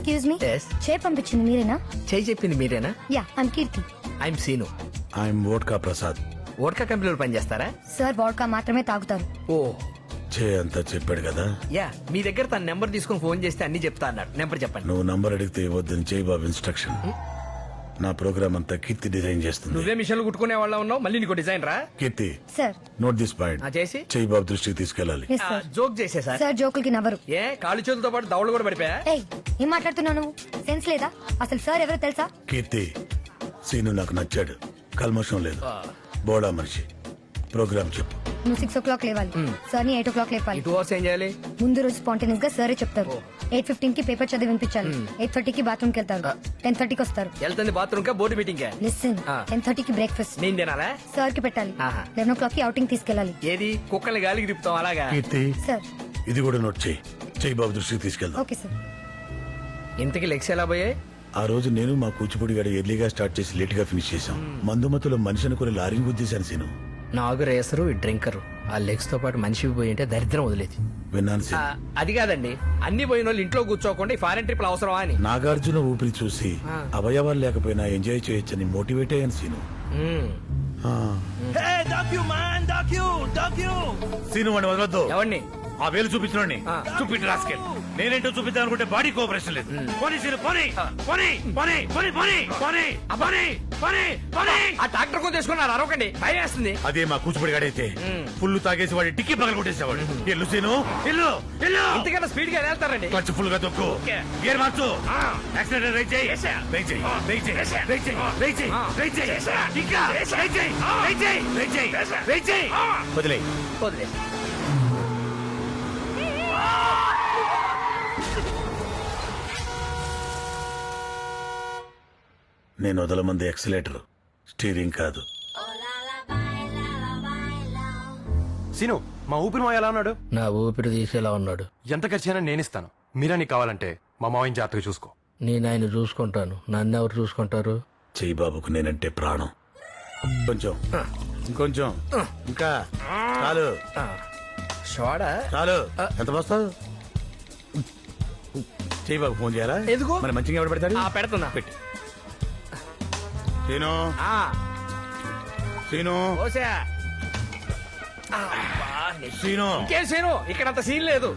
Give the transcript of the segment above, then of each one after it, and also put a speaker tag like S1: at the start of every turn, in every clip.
S1: Excuse me,
S2: Yes.
S1: చే పంపించింది మీరేనా?
S2: చేయి చెప్పింది మీరేనా?
S1: Yeah, I'm Keerthi.
S2: I'm Seenu.
S3: I'm vodka Prasad.
S2: Vodka కంపెనీలో పనిచేస్తారా?
S1: సార్ వాడ్కా మాత్రమే తాగుతారు.
S2: ఓ
S3: చే అంతా చెప్పాడు కదా.
S2: యా, మీ దగ్గర తన నెంబర్ తీసుకుని ఫోన్ చేస్తే అన్ని చెప్తా అన్నాడు. నెంబర్ చెప్పండి.
S3: నువ్వు నంబర్ అడిగితే ఇవ్వద్దని చేయి బాబు ఇన్స్ట్రక్షన్. నా ప్రోగ్రామ్ అంతా కీర్తి డిజైన్ చేస్తుంది.
S2: నువ్వే మిషన్లు కుట్టుకునే వాళ్ళ ఉన్నావు, మళ్ళీ నీకు డిజైన్ రా.
S3: Keerthi,
S1: sir.
S3: Note this point.
S2: చేసి
S3: చేయి బాబు దృష్టికి తీసుకెళ్ళాలి.
S1: Yes sir.
S2: జోక్ చేసే సార్.
S1: సార్ జోకులకి నవ్వరు.
S2: ఏ కాళ్ళు చేతులతో పాటు దవడలు కూడా పడిపోయా?
S1: ఏయ్, ఏం మాట్లాడుతున్నావు నువ్వు? సెన్స్ లేదా? అసలు సార్ ఎవరో తెలుసా?
S3: కీర్తి, సీను నాకు నచ్చాడు. కల్మషం లేదు, బోడా మనిషి. ప్రోగ్రామ్ చెప్పు.
S1: నువ్వు 6 o'clock లేవాలి. సార్ ని 8 o'clock లేపాలి.
S2: 2 hours ఏం చేయాలి?
S1: ముందు రోజు స్పాంటేనియస్ గా సరే చెప్తారు. 8:15 కి పేపర్ చదివి వినిపించాలి. 8:30 కి బాత్రూమ్ కి వెళ్తారు. 10:30 కి వస్తారు.
S2: వెళ్తుంది బాత్రూమ్ కా బోర్డు మీటింగ్ కా?
S1: లిసన్, 10:30 కి బ్రేక్ఫాస్ట్
S2: నేను తినాలా?
S1: సార్ కి పెట్టాలి.
S2: ఆహా.
S1: 11 o'clock కి అవుటింగ్ తీసుకెళ్ళాలి.
S2: ఏది కుక్కల్ని గాలికి తిప్పుతాం అలాగా?
S3: కీర్తి,
S1: సార్.
S3: ఇది కూడా నోట్ చేయి. చేయి బాబు దృష్టికి తీసుకెళ్దాం.
S1: Okay sir.
S2: ఇంతకి లెగ్స్ ఎలా పోయాయి?
S3: ఆ రోజు నేను మా కూచిపూడి గారు ఎర్లీగా స్టార్ట్ చేసి లేట్ గా ఫినిష్ చేశాం. మందుమతులో మనిషి అనుకుని లారీని గుద్దేశాను సీను.
S2: నాగు రేసరు డ్రింకరు ఆ లెగ్స్ తో పాటు మనిషి పోయి ఉంటే దరిద్రం వదిలేదు.
S3: విన్నాను
S2: ఆ,
S3: సీను.
S2: అది కాదండి, అన్ని పోయిన వాళ్ళు ఇంట్లో కూర్చోకుండా ఈ ఫారెన్ ట్రిప్లు అవసరమా అని.
S3: నాగార్జున ఊపిరి చూసి అవయవాలు లేకపోయినా ఎంజాయ్ చేయొచ్చని మోటివేట్ అయ్యాను సీను.
S2: మ్మ్.
S3: ఆ. సీను వాడిని వదలొద్దు.
S2: ఎవరిని?
S3: ఆ వేలు చూపించిన
S2: ఆ.
S3: చూపించి రాసుకెళ్ళి. నేనేంటో చూపిద్దాం అనుకుంటే బాడీ కోఆపరేషన్ లేదు. పోనీ సీను, పోనీ, పోనీ, పోనీ, పోనీ, పోనీ, పోనీ, పోనీ, పోనీ, పోనీ.
S2: ఆ ట్రాక్టర్ కొని తీసుకున్నారు, అరవకండి, భయం వేస్తుంది.
S3: అదే మా కూచిపూడి గాడైతే ఫుల్ తాగేసి వాడి టిక్కి పగల కొట్టేసేవాడు. ఎల్లు సీను, ఎల్లు, ఎల్లు.
S2: ఇంతకన్నా స్పీడ్ గా వెళ్తారండి.
S3: క్లచ్ ఫుల్ గా తొక్కు, గేర్ మార్చు, యాక్సిడెంట్ రైట్ చేయి, రైట్ చేయి, రైట్ చేయి, రైట్ చేయి, రైట్ చేయి, రైట్ చేయి, ఇంకా రైట్ చేయి, రైట్ చేయి, రైట్ చేయి, రైట్ చేయి. వదిలేయ్.
S2: వదిలే.
S3: నేను వదలమంది ఎక్సలేటర్, స్టీరింగ్ కాదు.
S4: సీను, మా ఊపిరి మావ ఎలా ఉన్నాడు?
S2: నా ఊపిరి తీసేలా ఉన్నాడు.
S4: ఎంత ఖర్చైనా నేనిస్తాను. మీరా నీకు కావాలంటే మా మావయ్య జాతకు చూసుకో.
S2: నేను ఆయన చూసుకుంటాను, నన్ను ఎవరు చూసుకుంటారు?
S3: చెయ్యి బాబుకు నేనంటే ప్రాణం. కొంచెం, ఇంకొంచెం, ఇంకా చాలు,
S2: షోడా
S3: చాలు. ఎంత వస్తావు? చెయ్యి బాబు ఫోన్ చేయాలా?
S2: ఎందుకు?
S3: మరి మంచిగా ఎవడు పెడతాడు?
S2: పెడుతున్నా.
S3: పెట్టి సీను,
S2: ఆ,
S3: సీను,
S2: ఓసా.
S3: సీను.
S2: ఇంకేం సీను, ఇక్కడ అంత సీన్ లేదు.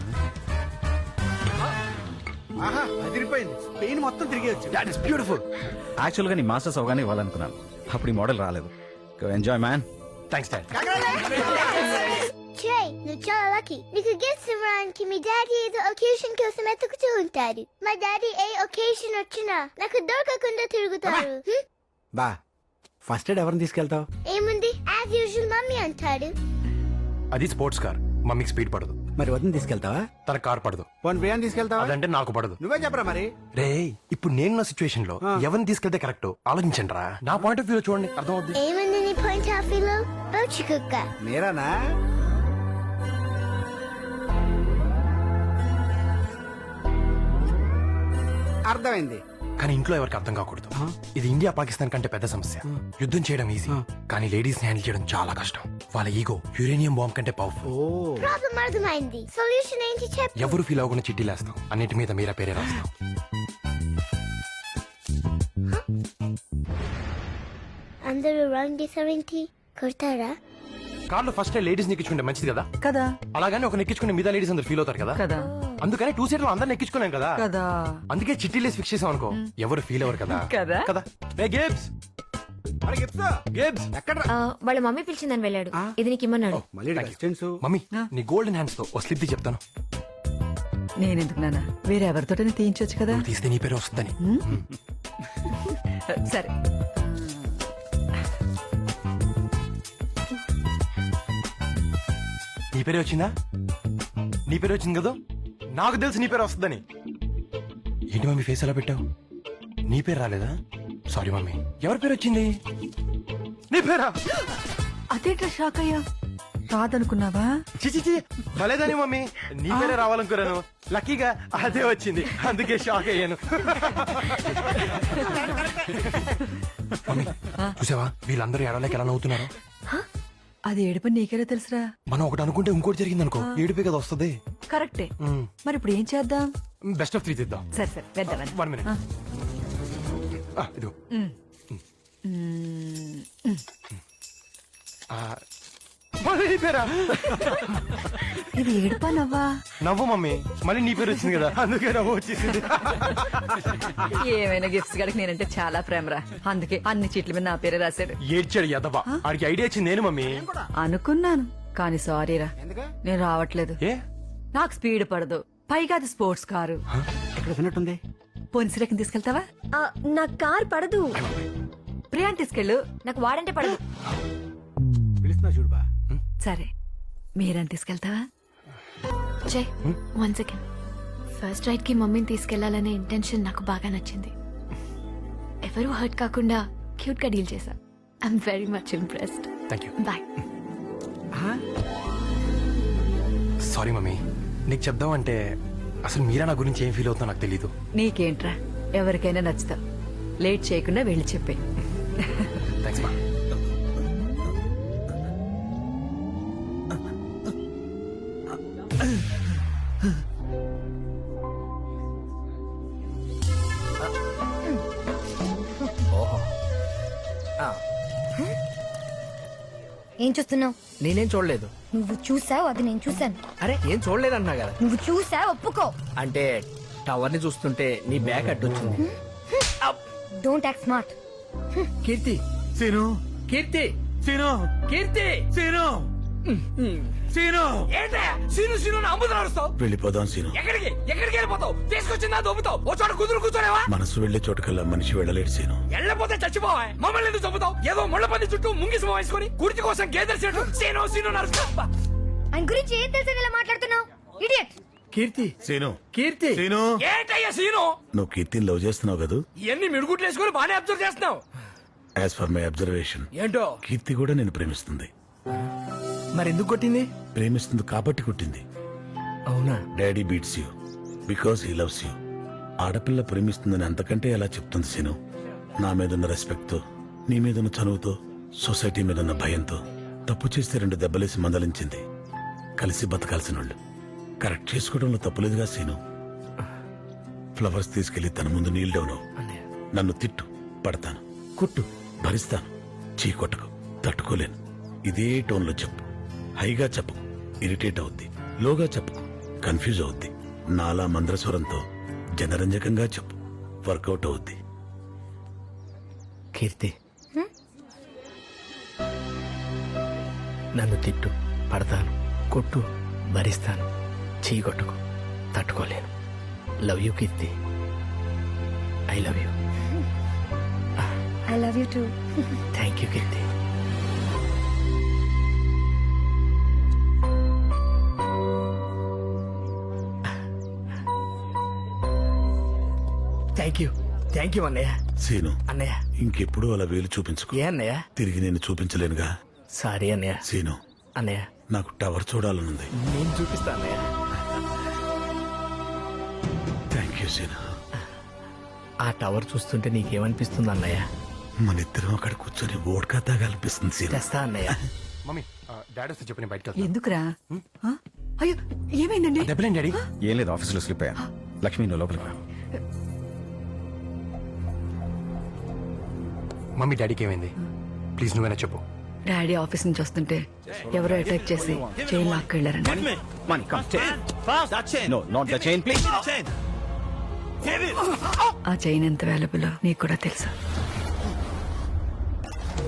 S5: ఆహా, అదిరిపోయింది. స్పెయిన్ మొత్తం తిరిగి వచ్చి.
S4: That is beautiful.
S6: యాక్చువల్గా నీ మాస్టర్స్ అవగానే ఇవ్వాలనుకున్నాను. అప్పుడు ఈ మోడల్ రాలేదు. Enjoy man.
S4: Thanks dad.
S7: Trey, నువ్వు చాలా లక్కీ. నీకు గిఫ్ట్స్ ఇవ్వడానికి మీ డాడీ ఏదో ఒకేషన్ కోసం ఎతుకుతూ ఉంటారు. మా డాడీ ఏ ఒకేషన్ వచ్చినా నాకు దొరకకుండా తిరుగుతారు.
S5: బా, ఫస్ట్ ఎయిడ్ ఎవరిని తీసుకెళ్తావు?
S7: ఏముంది, యాజ్ యూజువల్ మమ్మీ అంటాడు.
S4: అది స్పోర్ట్స్ కార్, మమ్మీకి స్పీడ్ పడదు.
S5: మరి వదిన తీసుకెళ్తావా?
S4: తన కార్ పడదు.
S5: పోనీ బిర్యానీ తీసుకెళ్తావా?
S4: అదంటే నాకు పడదు.
S5: నువ్వే చెప్పరా మరి.
S4: రే, ఇప్పుడు నేనున్న సిచ్యువేషన్ లో ఎవరిని తీసుకెళ్తే కరెక్ట్ ఆలోచించండి రా. నా పాయింట్ ఆఫ్ వ్యూ చూడండి, అర్థం అవుద్ది.
S7: ఏముంది నీ పాయింట్ ఆఫ్ వ్యూలో? పౌచి కుక్క.
S5: మీరానా? అర్థమైంది.
S4: కానీ ఇంట్లో ఎవరికి అర్థం కాకూడదు. ఇది ఇండియా పాకిస్తాన్ కంటే పెద్ద సమస్య. యుద్ధం చేయడం ఈజీ, కానీ లేడీస్ ని హ్యాండిల్ చేయడం చాలా కష్టం. వాళ్ళ ఈగో యురేనియం బాంబ్ కంటే పవర్ఫుల్.
S7: ప్రాబ్లం అర్థమైంది. సొల్యూషన్ ఏంటి చెప్పు.
S4: ఎవరు ఫీల్ అవ్వకుండా చిట్టీలేస్తాం, అన్నిటి మీద మీరా పేరే రాస్తాం.
S7: అందరూ రాంగ్ చేసావేంటి? కొడతారా?
S4: కార్లో ఫస్ట్ లేడీస్ నెక్కించుకుంటే మంచిది కదా
S8: కదా
S4: అలాగని ఒక నెక్కించుకునే మీద లేడీస్ అందరు ఫీల్ అవుతారు కదా
S8: కదా
S4: అందుకని 2 సీటర్ అందరు నెక్కించుకున్నాం కదా
S8: కదా
S4: అందుకే చిట్టీలేసి ఫిక్స్ చేసాం అనుకో, ఎవరు ఫీల్ అవ్వరు కదా
S8: కదా
S4: కదా. ఏ గేబ్స్, గేబ్స్
S5: ఎక్కడ?
S9: వాళ్ళ మమ్మీ పిలిచిందని వెళ్ళాడు. ఇది నీకు ఇమ్మన్నాడు.
S5: మళ్ళీ డిస్టెన్స్.
S4: మమ్మీ, నీ గోల్డెన్ హ్యాండ్స్ తో ఓ స్లిప్ చెప్తాను.
S8: నేనెందుకు నాన్న, వేరే ఎవరితోటనే తీయించొచ్చు కదా.
S4: నువ్వు తీస్తే నీ పేరు వస్తుందని.
S8: సరే
S4: నీ పేరే వచ్చిందా? నీ పేరు వచ్చింది కదా, నాకు తెలుసు నీ పేరు వస్తుందని. ఏంటి మమ్మీ ఫేస్ ఎలా పెట్టావు? నీ పేరు రాలేదా? Sorry mummy. ఎవరి పేరు వచ్చింది? నీ పేరా?
S8: అదేంట్రా షాక్ అయ్యా, రాదనుకున్నావా?
S4: చిచి భలేదని మమ్మీ, నీ పేరే రావాలనుకున్నాను. లక్కీగా అదే వచ్చింది, అందుకే షాక్ అయ్యాను. మమ్మీ చూసావా, వీళ్ళందరూ ఎడలేక ఎలా నవ్వుతున్నారు?
S8: అది ఏడుపని నీకెలా తెలుసురా?
S4: మనం ఒకటి అనుకుంటే ఇంకోటి జరిగింది అనుకో, ఏడిపే కదా వస్తుంది.
S8: కరెక్టే. మరి ఇప్పుడు ఏం చేద్దాం?
S4: బెస్ట్ ఆఫ్ 3 తీద్దాం.
S8: సరే సరే వెళ్దామని
S4: 1 మినిట్. ఇదిగో. మళ్ళీ నీ పేరా?
S8: ఇది ఏడుపా నవ్వా?
S4: నవ్వు మమ్మీ, మళ్ళీ నీ పేరు వచ్చింది కదా అందుకే నవ్వు వచ్చేసింది.
S8: ఏమైనా గిఫ్ట్స్ గడికి నేనంటే చాలా ప్రేమరా, అందుకే అన్ని చీట్ల మీద నా పేరే రాశాడు.
S4: ఏడ్చాడు యదవా, ఆడికి ఐడియా వచ్చింది నేను మమ్మీ.
S8: అనుకున్నాను కానీ సారీరా,
S5: ఎందుకు?
S8: నేను రావట్లేదు.
S4: ఏ
S8: నాకు స్పీడ్ పడదు, పైగా అది స్పోర్ట్స్ కారు.
S5: ఇక్కడ విన్నట్టుంది.
S8: పొన్సిరకం తీసుకెళ్తావా?
S9: నా కార్ పడదు.
S8: ప్రియాన్ తీసుకెళ్ళు.
S9: నాకు వాడంటే పడదు.
S5: పిలుస్తున్నా చూడుబా.
S8: సరే మీరని తీసుకెళ్తావా?
S9: జై 1 సెకండ్. ఫస్ట్ రైడ్ కి మమ్మీని తీసుకెళ్లాలనే ఇంటెన్షన్ నాకు బాగా నచ్చింది. ఎవరు హర్ట్ కాకుండా క్యూట్ గా డీల్ చేశా. I'm very much impressed.
S4: Thank you.
S9: Bye.
S4: Sorry mummy, నీకు చెప్దామంటే అసలు మీరా నా గురించి ఏం ఫీల్ అవుతుందో నాకు తెలీదు.
S8: నీకేంట్రా, ఎవరికైనా నచ్చుతావు. లేట్ చేయకుండా వెళ్ళి చెప్పే.
S4: థ్యాంక్స్ మా.
S1: ఏం చూస్తున్నావు?
S2: నేనేం చూడలేదు.
S1: నువ్వు చూసావు, అది నేను చూసాను.
S2: అరే ఏం చూడలేదు అంటున్నా కదా.
S1: నువ్వు చూసావు, ఒప్పుకో.
S2: అంటే టవర్ ని చూస్తుంటే నీ బ్యాగ్ అడ్డొచ్చింది.
S1: Don't act smart.
S2: Keerthi,
S3: Seenu,
S2: Keerthi,
S3: Seenu,
S2: Keerthi.
S3: Seenu, Seenu.
S2: ఏంటే సీను సీను అమ్ముతున్నా నడుస్తావు?
S10: వెళ్ళిపోదాం సీను.
S2: ఎక్కడికి ఎక్కడికి వెళ్ళిపోతావు? తీసుకొచ్చిందా దొబ్బుతావు? ఓ చోట కుదురు కూర్చోలేవా?
S10: మనసు వెళ్లే చోటుకల్లా మనిషి వెళ్ళలేడు సీను.
S2: వెళ్ళపోతే చచ్చిపోవా? మమ్మల్ని ఎందుకు చంపుతావు? ఏదో ముళ్ళ పంది చుట్టూ ముంగిసి వేసుకొని కుర్చీ కోసం గేదెలు చెట్టు సీను సీను నడుస్తా.
S1: ఆయన గురించి ఏం తెలుసు ఇలా మాట్లాడుతున్నావు? ఇడియట్.
S2: కీర్తి,
S10: సీను,
S2: కీర్తి.
S10: సీను.
S2: ఏంటయ్యా సీను?
S10: నువ్వు కీర్తిని లవ్ చేస్తున్నావు కదా?
S2: ఇవన్నీ మిడుగుట్లు వేసుకొని బాగానే అబ్జర్వ్ చేస్తున్నావు.
S10: యాజ్ ఫర్ మై అబ్జర్వేషన్,
S2: ఏంటో
S10: కీర్తి కూడా నేను ప్రేమిస్తుంది.
S2: మరి ఎందుకు కొట్టింది?
S10: ప్రేమిస్తుంది కాబట్టి కుట్టింది.
S2: అవునా?
S10: Daddy beats you because he loves you. ఆడపిల్ల ప్రేమిస్తుందని అంతకంటే ఎలా చెప్తుంది సీను? నా మీదున్న రెస్పెక్ట్ తో, నీ మీదున్న చనువుతో, సొసైటీ మీదున్న భయంతో తప్పు చేస్తే 2 దెబ్బలేసి మందలించింది. కలిసి బతకాల్సిన వాళ్ళు కరెక్ట్ చేసుకోవడంలో తప్పులేదుగా సీను. ఫ్లవర్స్ తీసుకెళ్లి తన ముందు నీల్ డౌన్ అవ్వు. నన్ను తిట్టు, పడతాను, కుట్టు, భరిస్తాను, చీ కొట్టకు, తట్టుకోలేను. ఇదే టోన్లో చెప్పు. హైగా చెప్పు, ఇరిటేట్ అవుద్ది. లోగా చెప్పు, కన్ఫ్యూజ్ అవుద్ది. నాలా మంద్రస్వరంతో జనరంజకంగా చెప్పు, వర్కౌట్ అవుద్ది.
S2: కీర్తి, నన్ను తిట్టు, పడతాను, కొట్టు, భరిస్తాను, చీకొట్టుకు, తట్టుకోలేను. Love you Keerthi, I love you.
S1: I love you too.
S2: Thank you Keerthi. Thank you అన్నయ్య.
S10: సీను,
S2: అన్నయ్య
S10: ఇంకెప్పుడు అలా వేలు చూపించుకో.
S2: ఏ అన్నయ్య?
S10: తిరిగి నేను చూపించలేనుగా.
S2: సారీ అన్నయ్య.
S10: సీను,
S2: అన్నయ్య
S10: నాకు టవర్ చూడాలనుంది.
S2: నేను చూపిస్తా అన్నయ్య.
S10: Thank you Seenu.
S2: ఆ టవర్ చూస్తుంటే నీకేమనిపిస్తుంది అన్నయ్య?
S10: మన ఇద్దరం అక్కడ కూర్చొని ఓడ్కా తాగాలనిపిస్తుంది సీను.
S2: తెస్తా అన్నయ్య.
S4: మమ్మీ, డాడీ వస్తే చెప్పి నేను బయటకు వెళ్తాను.
S8: ఎందుకురా? ఆ? అయ్యో ఏమైందండి?
S4: దెబ్బలేం డాడీ?
S6: ఏం లేదు, ఆఫీసులో స్లిప్ అయ్యాను. లక్ష్మి నువ్వు లోపలికి రా.
S4: మమ్మీ, డాడీకి ఏమైంది? ప్లీజ్ నువ్వేనా చెప్పు.
S8: డాడీ ఆఫీస్ నుంచి వస్తుంటే ఎవరో అటాక్ చేసి చైన్ లాక్కెళ్లారండి.
S6: Money, come, chain. No, not the chain, please.
S8: ఆ చైన్ ఎంత వాల్యుబుల్ నీకు కూడా తెలుసా?